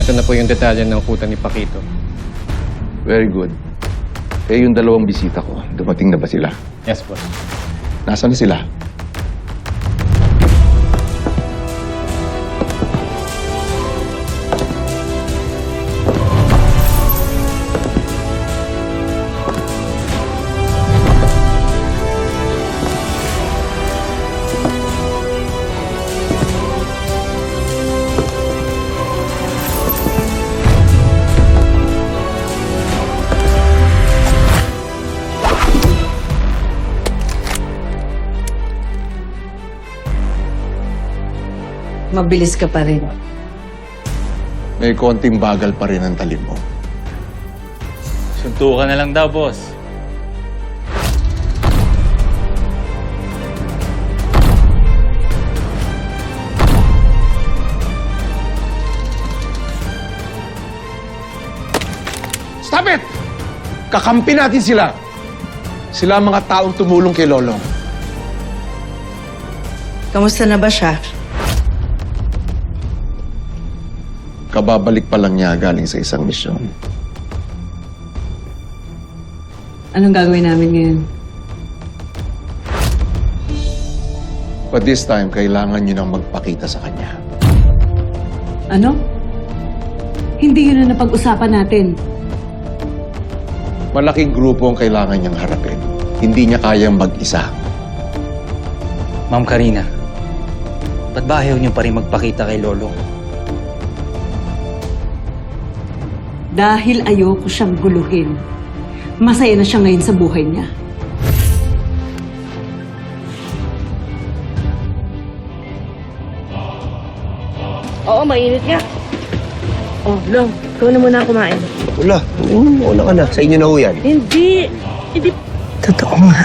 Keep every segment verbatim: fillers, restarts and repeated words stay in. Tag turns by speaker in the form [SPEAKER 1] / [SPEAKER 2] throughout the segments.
[SPEAKER 1] Ito na po yung detalye ng kuta ni Paquito.
[SPEAKER 2] Very good. Eh, yung dalawang bisita ko, dumating na ba sila?
[SPEAKER 1] Yes, boss.
[SPEAKER 2] Nasaan na sila?
[SPEAKER 3] Mabilis ka pa rin.
[SPEAKER 2] May konting bagal pa rin ang talim mo.
[SPEAKER 4] Suntukan na lang daw, boss.
[SPEAKER 2] Stop it! Kakampi natin sila. Sila ang mga taong tumulong kay Lolong.
[SPEAKER 3] Kamusta na ba siya?
[SPEAKER 2] Kababalik pa lang niya galing sa isang misyon.
[SPEAKER 3] Anong gagawin namin ngayon?
[SPEAKER 2] But this time, kailangan niyo nang magpakita sa kanya.
[SPEAKER 5] Ano? Hindi yun ang napag-usapan natin.
[SPEAKER 2] Malaking grupo ang kailangan niyang harapin. Hindi niya kayang mag-isa.
[SPEAKER 4] Ma'am Karina, ba't ba ayaw niyo pa rin magpakita kay Lolo?
[SPEAKER 5] Dahil ayoko siyang guluhin. Masaya na siya ngayon sa buhay niya.
[SPEAKER 6] Oo, mainit nga. Oh, Long, ikaw na muna kumain.
[SPEAKER 7] Wala. Mm, una ka na. Sa inyo na ho yan.
[SPEAKER 6] Hindi. Hindi.
[SPEAKER 3] Totoo nga.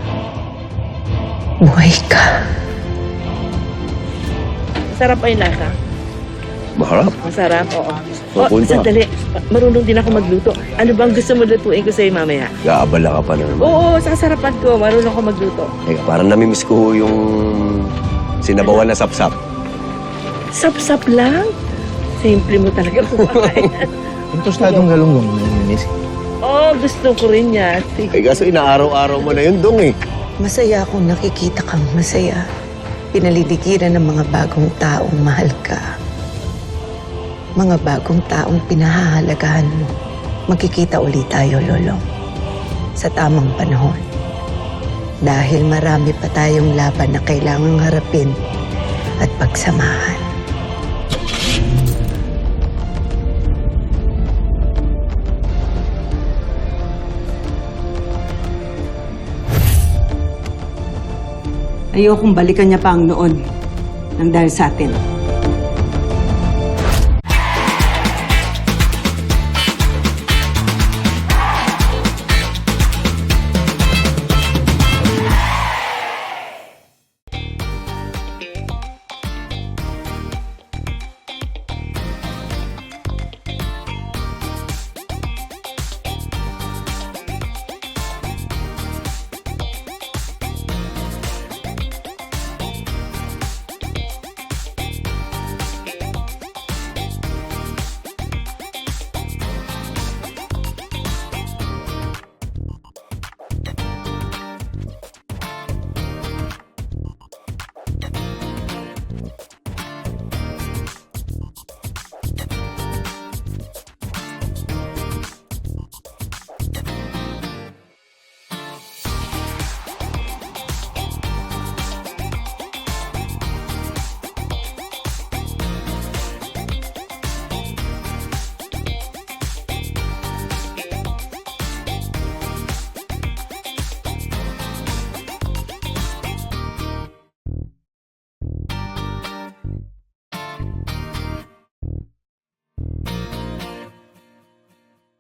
[SPEAKER 3] Buhay ka.
[SPEAKER 6] Masarap pa yung lasa.
[SPEAKER 7] Maharap.
[SPEAKER 6] Masarap, oo. Oh,
[SPEAKER 7] Mapunta.
[SPEAKER 6] sandali. Marunong din ako magluto. Ano bang gusto mo lutuin ko sa'yo mamaya?
[SPEAKER 7] Gaabala ka pa na naman.
[SPEAKER 6] Oo, sa sarapan ko. Marunong ako magluto.
[SPEAKER 7] Teka, parang namimiss ko ho yung sinabawan na sapsap.
[SPEAKER 6] Sap-sap lang. Simple mo talaga kumakain.
[SPEAKER 7] Ang tostadong galunggong namimiss.
[SPEAKER 6] Oo, gusto ko rin yan. Sige.
[SPEAKER 7] Ay, kaso inaaraw-araw mo na yun dong eh.
[SPEAKER 3] Masaya akong nakikita kang masaya. Pinaliligiran ng mga bagong taong mahal ka. Mga bagong taong pinahahalagahan mo. Magkikita ulit tayo, Lolong. Sa tamang panahon. Dahil marami pa tayong laban na kailangang harapin at pagsamahan.
[SPEAKER 5] Ayokong balikan niya pa ang noon nang dahil sa atin.